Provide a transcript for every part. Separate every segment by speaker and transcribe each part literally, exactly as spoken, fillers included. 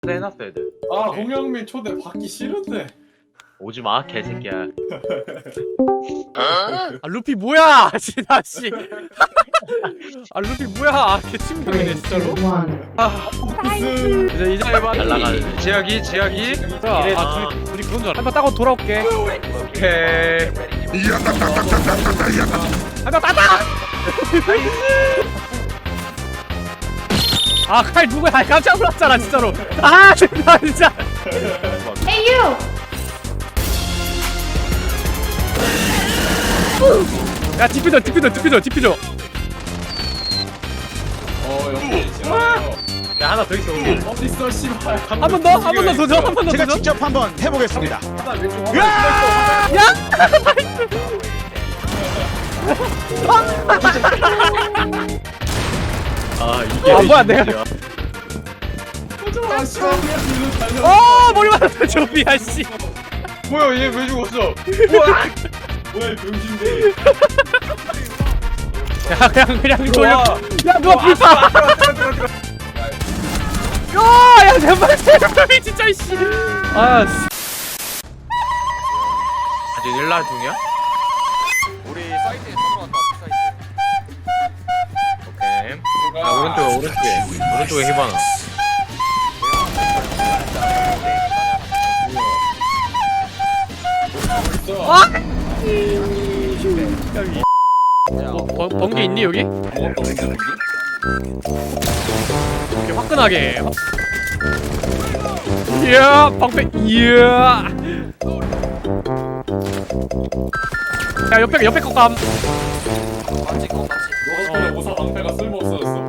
Speaker 1: 해놨어 애들.
Speaker 2: 아 홍영민 초대 받기 싫은데.
Speaker 1: 오지마 개새끼야.
Speaker 3: 아 루피 뭐야 진아 씨. 아 루피 뭐야. 아 개친구이네 진짜로.
Speaker 2: 무슨
Speaker 3: 이제 이제 해봐.
Speaker 1: 날라가는.
Speaker 4: 제약이 제약이
Speaker 3: 아 둘이 둘이 그런 줄 알아. 한번 따고 돌아올게.
Speaker 4: 오케이.
Speaker 3: 한번 따다. 아칼 누구야? 아, 깜짝 놀랐잖아 진짜로. 아 진짜 진짜.
Speaker 5: Hey you!
Speaker 3: 야 디퓨저 디퓨저 디퓨저 디퓨저.
Speaker 2: 어 여기 싫어요.
Speaker 1: 야 하나 더 있어. 우리.
Speaker 2: 어디 있어 씨발.
Speaker 3: 한 번 더? 한 번 더 도전? 한 번 더
Speaker 6: 제가
Speaker 3: 도전?
Speaker 6: 직접 한번 해보겠습니다.
Speaker 2: 하나 왼쪽 하나
Speaker 1: 아 이게.
Speaker 3: 아, 뭐야, 내가-
Speaker 1: 진짜.
Speaker 2: 왼쪽. 아 씨발 그냥 뒤로 달려.
Speaker 3: 어 머리 맞았어 조비야 씨.
Speaker 4: 뭐야 얘 왜 죽었어?
Speaker 2: 뭐야 병신들.
Speaker 3: 야 그냥 그냥 돌려.
Speaker 4: 와.
Speaker 3: 야 누가 불파. 야야 제발 제발 진짜 씨. 아 씨.
Speaker 4: 아직 일라 중이야?
Speaker 7: 우리 사이트에 들어왔다 사이트.
Speaker 4: 오케이.
Speaker 1: 아 오른쪽 오른쪽에 오른쪽에 히바나.
Speaker 3: 아! 뭐, 번, 번개 있니 여기? 이렇게 화끈하게. 이야 방패 이야. 야 옆에 옆에 거감.
Speaker 7: 맞지 그거 맞지.
Speaker 2: 너 덕분에 모사 방패가 쓸모 없어졌어.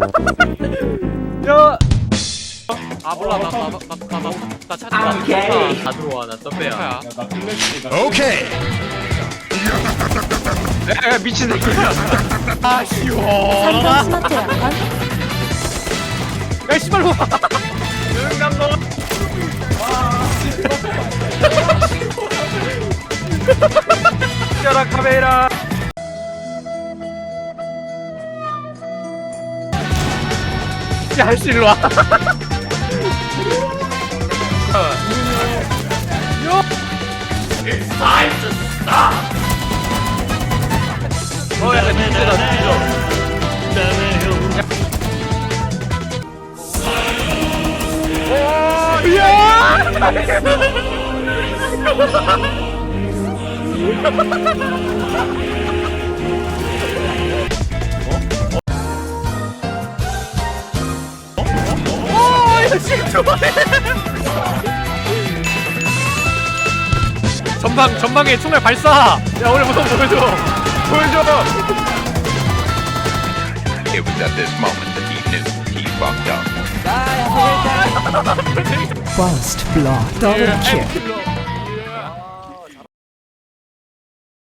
Speaker 3: 야. 아 몰라 나나나나나 찾아.
Speaker 1: 다 들어와 나 덤배야.
Speaker 2: 야나 플래시.
Speaker 6: 오케이.
Speaker 4: 야 미친 새끼야.
Speaker 3: 아 시원하다.
Speaker 5: 스마트 약관?
Speaker 3: 야 씨발 뭐.
Speaker 4: 야라 카메라.
Speaker 3: 야 씨, 일로 와.
Speaker 1: 어 약간 진짜다 진짜.
Speaker 3: 전방 전방에 총알 발사. 야 오늘 무슨 보여줘. 보여줘.
Speaker 8: It was at this moment that he knew he fucked up.
Speaker 9: First blood, double kill.